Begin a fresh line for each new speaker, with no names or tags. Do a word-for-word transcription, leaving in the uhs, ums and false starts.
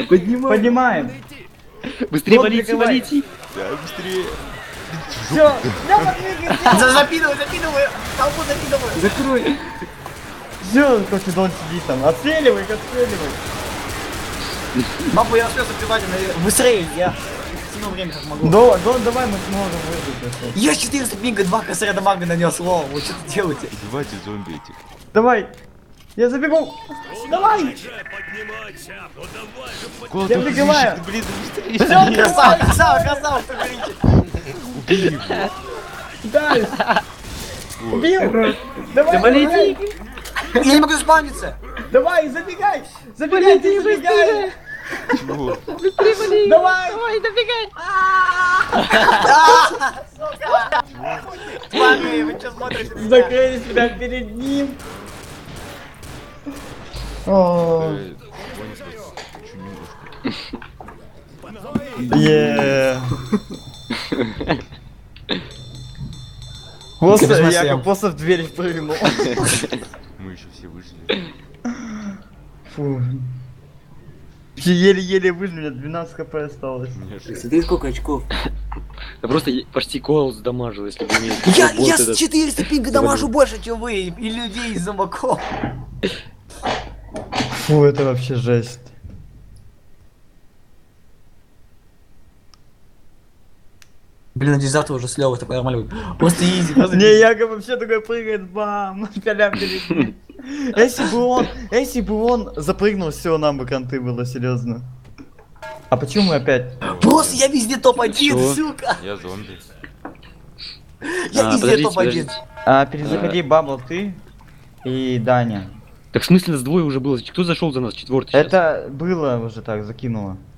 Поднимаем. Поднимаем.
Быстрее
Вот,
валите,
прикрывай.
валите.
Да, быстрее.
Все, давай двигайся.
За- Запинывай, запинывай! Толпу запинывай!
Закрой.
Все, Кокидон сидит там. Отстреливай, отстреливай.
Папа, я успел запивать, но быстрее, я тяну время как могу.
Да, да, давай мы сможем выжить.
Я четыреста пинга, два косаря дамага нанес, лол, вы что-то делаете?
Убивайте зомби этих.
Давай. Я забегу. Давай.
Куда
Я
ты
прикрываю.
бежишь? Блин, быстрее.
Всё,
Красава, красава, красава, что говорите?
Убей его.
Дай. Убил. Давай,
Да
давай.
валите.
Я не могу заспавниться!
Давай, забегай. Забегай, ты забегай.
Чего?
Давай.
Ой, добегай!
Твари, вы что смотрите?
Закрыли себя перед ним. О,
Э, чуть немножко.
е. Просто
Без
я
масла.
как просто в дверь прыгнул.
Мы еще все выжили.
Фу. Еле-еле выжили, у меня двенадцать хп осталось.
Мне шесть.
Смотри, сколько очков.
Да просто е- почти Коул сдамажил, если бы не...
Я,
вот
я
этот.
с четыреста пинга дамажу больше, чем вы, и людей из зомбаков.
Фу, это вообще жесть.
Блин, надеюсь, завтра уже с Лёвой такой нормально будет. Просто изи, просто
Не, Яга вообще такой прыгает, бам, пялям перед ним. Если бы он, если бы он запрыгнул, все, нам бы конты было, серьезно. А почему мы опять?
Просто я везде топ один,
Чё?
сука!
Я зомби.
Я
А,
везде
подождите,
топ один.
подождите.
А, перезаходи, Бабл, ты и Даня.
Так в смысле нас двое уже было? Кто зашел за нас? Четвертый сейчас?
Это было уже так, закинуло.